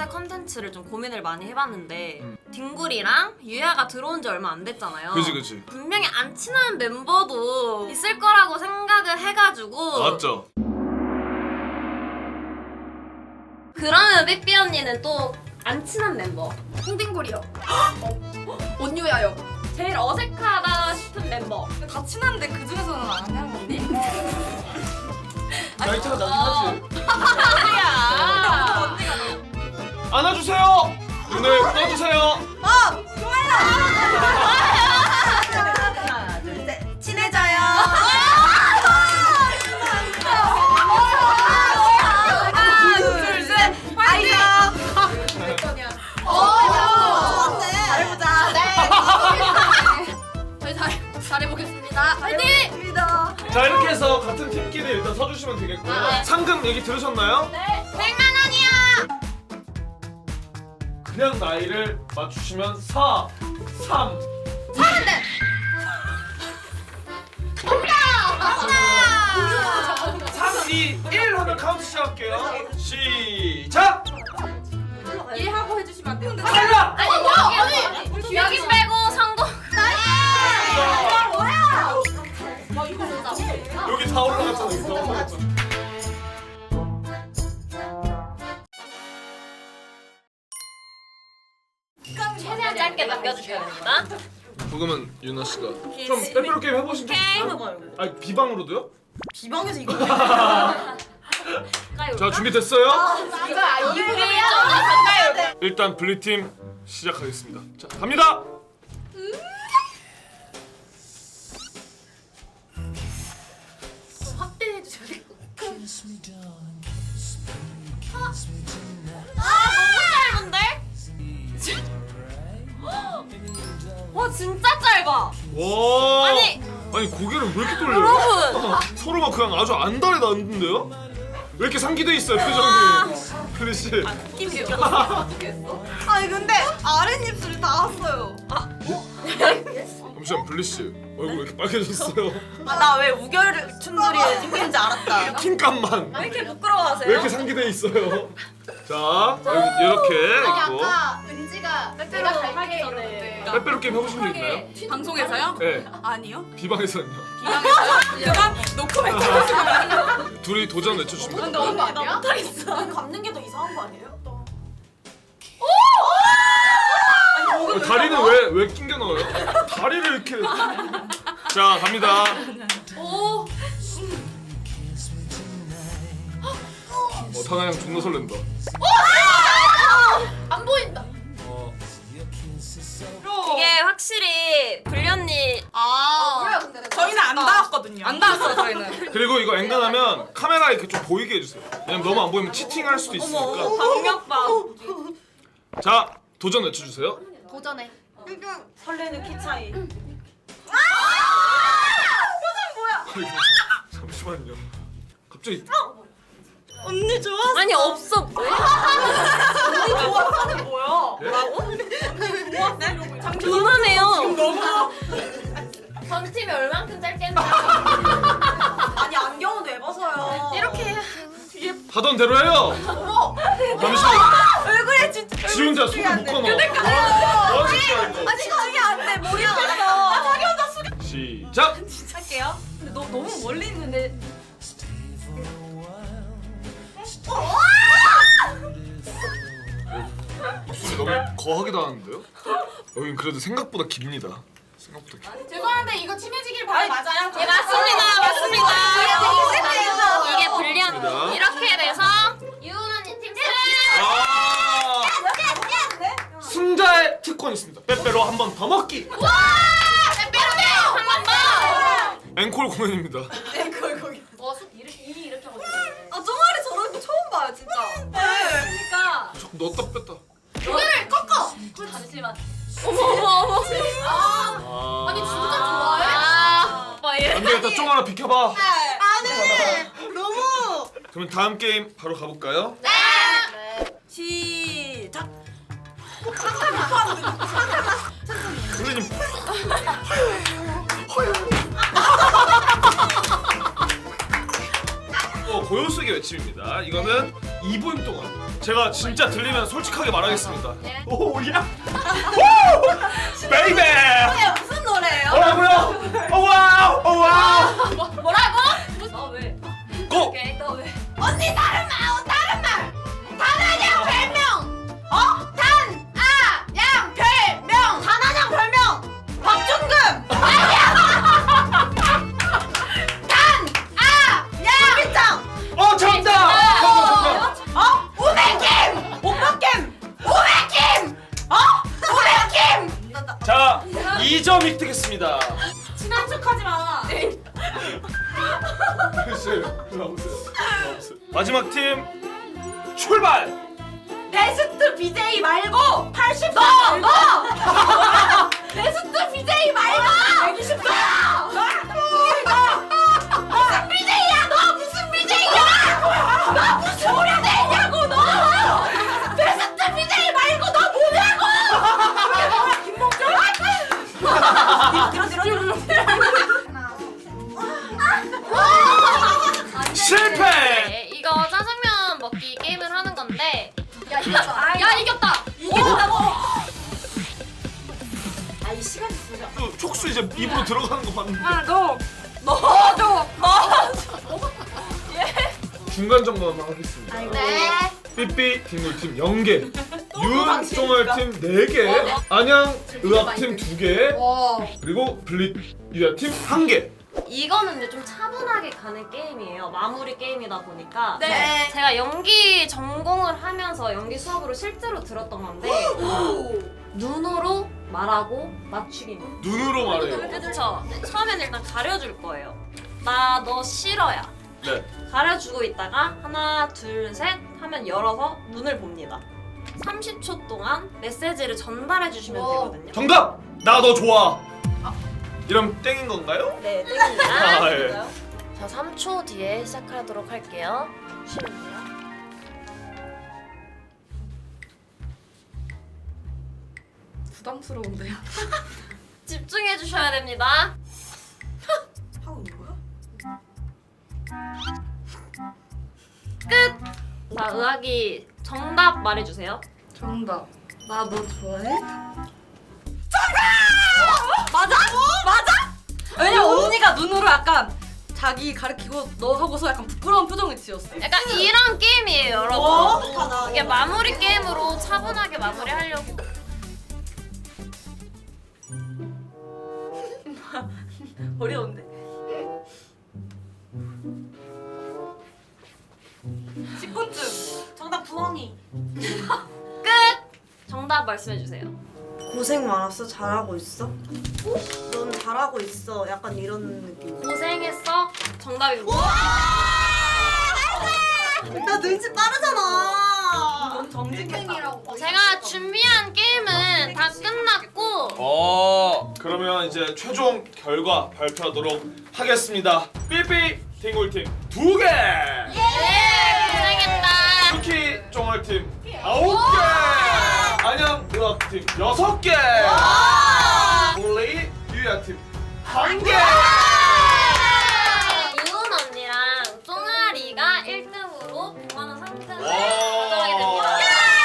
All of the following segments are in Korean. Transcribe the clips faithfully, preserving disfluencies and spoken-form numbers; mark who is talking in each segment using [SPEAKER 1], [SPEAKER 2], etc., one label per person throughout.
[SPEAKER 1] 요새 컨텐츠를 좀 고민을 많이 해봤는데
[SPEAKER 2] 음.
[SPEAKER 1] 딩굴이랑 유야가 들어온 지 얼마 안 됐잖아요.
[SPEAKER 2] 그지 그지.
[SPEAKER 1] 분명히 안 친한 멤버도 있을 거라고 생각을 해가지고
[SPEAKER 2] 맞죠?
[SPEAKER 1] 그러면 삐삐 언니는 또 안 친한 멤버
[SPEAKER 3] 홍딩골이요. 온유야요.
[SPEAKER 1] 제일 어색하다 싶은 멤버
[SPEAKER 3] 다 친한데 그 중에서는 안 하는 건데.
[SPEAKER 2] 나이트가 나긴 하지.
[SPEAKER 1] 아니야.
[SPEAKER 3] 언니가 너무.
[SPEAKER 2] 안아주세요. 눈을 떠주세요.
[SPEAKER 3] 어, 좋아요. 하나, 둘, 셋. 친해져요. 하나, 둘, 셋. 화이팅. 몇 번이야? 어, 잘해보자. 네. 저희 잘 잘해보겠습니다. 화이팅.
[SPEAKER 2] 자 이렇게 해서 같은 팀끼리 일단 서주시면 되겠고요.
[SPEAKER 1] 네.
[SPEAKER 2] 상금 얘기 들으셨나요?
[SPEAKER 1] 네. 백만 원이야.
[SPEAKER 2] 그냥 나이를 맞추시면 사, 삼,
[SPEAKER 1] 서른네.
[SPEAKER 2] 삼, 이, 일 하면 카운트 시작할게요. 시작!
[SPEAKER 3] 일하고 해주시면 안 돼요?
[SPEAKER 2] 탈락!
[SPEAKER 1] 아니 여기 여기 여기 빼고 성공.
[SPEAKER 2] 여기 다 올라갔잖아. 여기 다 올라갔잖아.
[SPEAKER 1] 최대한 짧게 남겨주셔야 됩니다.
[SPEAKER 2] 그러면 유나 씨가 좀 빼빼로 게임 해보신 적 있어요? 아니 비방으로도요?
[SPEAKER 3] 비방에서 이거.
[SPEAKER 2] 자 준비됐어요?
[SPEAKER 3] 이거
[SPEAKER 1] 이분이 좀 가까이.
[SPEAKER 2] 일단 블리팀 시작하겠습니다. 자 갑니다.
[SPEAKER 1] 확대해 주셔야 될 것 같아요. 와 진짜 짧아.
[SPEAKER 2] 와.
[SPEAKER 1] 아니.
[SPEAKER 2] 아니 고개를 왜 이렇게 돌려요?
[SPEAKER 1] 여러분.
[SPEAKER 2] 서로가 그냥 아주 안달이 났는데요? 왜 이렇게 상기돼 있어요 표정이? 클리 씨.
[SPEAKER 1] 팀이요.
[SPEAKER 3] 아니 근데 아랫입술이 다 왔어요.
[SPEAKER 2] 잠시만 블리 씨 얼굴 왜 이렇게 빨개졌어요?
[SPEAKER 3] 아, 나 왜 우결 춘들이 생긴지 알았다.
[SPEAKER 2] 킹감만
[SPEAKER 1] 왜 이렇게 부끄러워하세요?
[SPEAKER 2] 왜 이렇게 상기돼 있어요? 자 여기 이렇게 있고
[SPEAKER 3] 은지가
[SPEAKER 1] 빼빼로 하기 전에.
[SPEAKER 2] 빼빼로 게임 해보신 적 있나요?
[SPEAKER 3] 방송에서요?
[SPEAKER 2] 네.
[SPEAKER 3] 아니요.
[SPEAKER 2] 비방에서는요.
[SPEAKER 3] 그만 노코멘트.
[SPEAKER 2] 둘이 도전 외쳐주시면 됩니다.
[SPEAKER 3] 언니 나 못하겠어.
[SPEAKER 1] 감는 게 더 이상한 거 아니에요?
[SPEAKER 2] 어, 다리는 왜 왜 낑겨 넣어요? 다리를 이렇게. 자 갑니다.
[SPEAKER 1] 오.
[SPEAKER 2] 어 타나 형 존나 설렌다.
[SPEAKER 1] 안 보인다.
[SPEAKER 2] 어.
[SPEAKER 1] 이게 확실히 불리 언니.
[SPEAKER 3] 아.
[SPEAKER 1] 그래요, 근데 내가
[SPEAKER 3] 저희는 안 닿았거든요. 안 닿았어요 저희는.
[SPEAKER 2] 그리고 이거 엔간하면 카메라 이렇게 좀 보이게 해주세요. 왜냐면 너무 안 보이면 치팅할 수도 있으니까.
[SPEAKER 1] 박력박.
[SPEAKER 2] 자 도전 외쳐주세요.
[SPEAKER 1] 도전해.
[SPEAKER 3] 설레는 키 차이.
[SPEAKER 2] 아이고, 저- 잠시만요. 갑자기
[SPEAKER 3] 언니 좋아.
[SPEAKER 1] 아니 없어. 뭐야?
[SPEAKER 3] 좋아하는 뭐야?
[SPEAKER 1] 이만해요.
[SPEAKER 3] 너무.
[SPEAKER 1] 전 팀이 얼만큼 짧게 했나?
[SPEAKER 3] 아니 안경은 왜 벗어요?
[SPEAKER 1] 이렇게
[SPEAKER 2] 하던 대로 해요.
[SPEAKER 3] 어머.
[SPEAKER 2] 잠시만.
[SPEAKER 3] 왜 그래 진짜.
[SPEAKER 2] 지 혼자 손을 묶어놔. 뭐 하는 거야 이거?
[SPEAKER 3] 아니 저기 안돼 머리 아파. 자기 혼자 숙여.
[SPEAKER 2] 시작.
[SPEAKER 3] 할게요. 근데 너 너무 멀리 있는데.
[SPEAKER 2] 목소리 너무 거하게 나왔는데요? 여긴 그래도 생각보다 깁니다. 생각보다 깁.
[SPEAKER 3] 죄송한데 이거 친해지길 바래 맞아요?
[SPEAKER 1] 예 맞습니다 맞습니다.
[SPEAKER 3] 이게
[SPEAKER 1] 이게 불리 언니.
[SPEAKER 2] 맞습니다.
[SPEAKER 1] 이렇게 돼서 유은 언니 팀 승.
[SPEAKER 2] 아 승자의 특권이 있습니다. 빼빼로 한 번 더 먹기.
[SPEAKER 1] 와! 빼빼로네요 한번 더.
[SPEAKER 2] 앵콜 공연입니다.
[SPEAKER 3] 앵콜 거기.
[SPEAKER 1] 와, 수 이렇게 이 이렇게 하고
[SPEAKER 3] 아 종아리 저런 거 처음 봐요 진짜. 네.
[SPEAKER 1] 그러니까
[SPEAKER 2] 자꾸 넣었다 뺐다.
[SPEAKER 1] 고개를 꺾어. 잠시만. 어머 어머 어머. 아.
[SPEAKER 2] 아.
[SPEAKER 1] 아니 진짜 좋아해? 아. 오빠 얘.
[SPEAKER 2] 안 되겠다. 쫑 하나 비켜봐.
[SPEAKER 3] 아니 너무.
[SPEAKER 2] 그러면 다음 게임 바로 가볼까요?
[SPEAKER 1] 네.
[SPEAKER 3] 시작.
[SPEAKER 2] 블리님. 어 고요수의 외침입니다. 이거는 이 분 동안 제가 진짜 들리면 솔직하게 말하겠습니다.
[SPEAKER 1] 예.
[SPEAKER 2] 오 야! 오! 베이베!
[SPEAKER 3] 이게 무슨 노래예요?
[SPEAKER 2] 뭐라고요? 오 와우! 오 와우!
[SPEAKER 1] 뭐, 뭐라고? 아 왜?
[SPEAKER 2] 고!
[SPEAKER 1] 오케이 또 왜?
[SPEAKER 3] 언니 다른 말, 어, 다른 말. 단아냥 별명. 어? 단, 아, 양, 별명. 단아냥 별명. 박준금. 아니야. 단, 아, 양. 김비짱.
[SPEAKER 2] 어 정답! 정답 정답!
[SPEAKER 3] 어? 우백김. 오빠김. 우백김. 어? 우백김.
[SPEAKER 2] 자, 이 점 획득했습니다.
[SPEAKER 1] 친한 척하지 마.
[SPEAKER 2] 글쎄요. 나오세요. 나오세요. 마지막 팀 출발!
[SPEAKER 3] 베스트 비제이 말고 팔십 너! 너! 베스트 비제이 말고 백이십 너! 무슨 비제이야 너! 무슨 비제이야! 너 무슨 소리 내냐고 너! 베스트 비제이 말고 너 뭐냐고! 김봉준?
[SPEAKER 2] 실패!
[SPEAKER 1] 네, 이거 짜장면 먹기 게임을 하는 건데.
[SPEAKER 3] 야 이겼다.
[SPEAKER 1] 야 이겼다.
[SPEAKER 3] 이겼다고! 아이 시간이 진짜.
[SPEAKER 2] 또 촉수 이제 입으로 들어가는 거 봤는데
[SPEAKER 3] 아 너! 너도! 너!
[SPEAKER 2] 중간 점검만 하겠습니다.
[SPEAKER 1] 네.
[SPEAKER 2] 삐삐 딩골팀 영 개, 윤종알팀 네 개, 안양의학팀 두 개,
[SPEAKER 3] 와.
[SPEAKER 2] 그리고 블릿 유야팀 한 개.
[SPEAKER 1] 이거는 이제 좀 차분하게 가는 게임이에요. 마무리 게임이다 보니까.
[SPEAKER 3] 네.
[SPEAKER 1] 제가 연기 전공을 하면서 연기 수업으로 실제로 들었던 건데 눈으로 말하고 맞추기입니다.
[SPEAKER 2] 눈으로 말해요.
[SPEAKER 1] 그렇죠. 처음에는 일단 가려줄 거예요. 나 너 싫어야.
[SPEAKER 2] 네.
[SPEAKER 1] 가려주고 있다가 하나 둘 셋 하면 열어서 눈을 봅니다. 삼십 초 동안 메시지를 전달해 주시면
[SPEAKER 3] 오.
[SPEAKER 1] 되거든요.
[SPEAKER 2] 정답! 나 너 좋아. 이러면 땡인 건가요?
[SPEAKER 1] 네, 땡입니다.
[SPEAKER 2] 아, 예.
[SPEAKER 1] 자, 삼 초 뒤에 시작하도록 할게요. 쉬면 돼요.
[SPEAKER 3] 부담스러운데요.
[SPEAKER 1] 집중해 주셔야 됩니다.
[SPEAKER 3] 하고 있는 거야?
[SPEAKER 1] 끝! 자, 의학이 정답 말해 주세요.
[SPEAKER 3] 정답. 나 너 좋아해? 정답! 맞아? 맞아? 왜냐 언니가 눈으로 약간 자기 가리키고 너 하고서 약간 부끄러운 표정을 지었어.
[SPEAKER 1] 약간 이런 게임이에요, 여러분.
[SPEAKER 3] 어?
[SPEAKER 1] 이게 마무리 게임으로 차분하게 마무리하려고.
[SPEAKER 3] 어려운데. 식곤증. 정답 부엉이.
[SPEAKER 1] 끝! 정답 말씀해 주세요.
[SPEAKER 4] 고생 많았어? 잘하고 있어? 넌 잘하고 있어. 약간 이런 느낌.
[SPEAKER 1] 고생했어? 정답입니다.
[SPEAKER 4] 나 눈치 빠르잖아.
[SPEAKER 3] 넌 정직이라고.
[SPEAKER 1] 제가 준비한 게임은 다 끝났고
[SPEAKER 2] 어, 그러면 이제 최종 결과 발표하도록 하겠습니다. 삐삐 딩골팀 두 개,
[SPEAKER 1] 예! 고생했다.
[SPEAKER 2] 쿠키 종알팀 아홉 개, 안양의학팀 여섯 개, 블레이 유야팀 한 개.
[SPEAKER 1] 이은 언니랑 쫑아리가 일 등으로 백만 원 상금을
[SPEAKER 2] 와.
[SPEAKER 1] 가져가게 됩니다.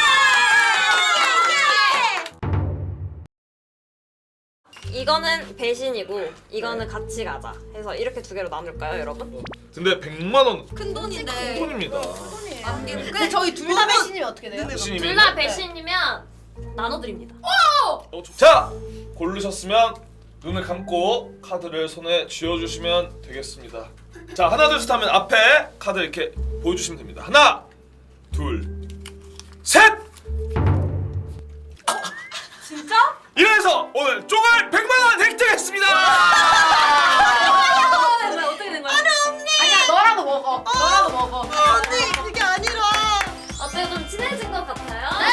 [SPEAKER 1] 이거는 배신이고 이거는 같이 가자 해서 이렇게 두 개로 나눌까요, 여러분?
[SPEAKER 2] 근데 백만 원
[SPEAKER 3] 큰 돈인데.
[SPEAKER 2] 돈입니다.
[SPEAKER 3] 근데 저희 둘 다 배신이면 어떻게 돼요?
[SPEAKER 2] 배신이면
[SPEAKER 1] 둘 다 배신이면 나눠드립니다.
[SPEAKER 2] 어, 좋- 자, 고르셨으면 눈을 감고 카드를 손에 쥐어주시면 되겠습니다. 자, 하나 둘 셋 하면 앞에 카드 이렇게 보여주시면 됩니다. 하나, 둘, 셋!
[SPEAKER 3] 진짜?
[SPEAKER 2] 이래서 오늘 쪼갈 백만 원 획득했습니다!
[SPEAKER 3] 어떻게 된 거야? 아니 언니. 아니야 너라도 먹어. 너라도 먹어.
[SPEAKER 4] 언니 그게 아니라.
[SPEAKER 1] 어때요? 좀 친해진 것 같아요?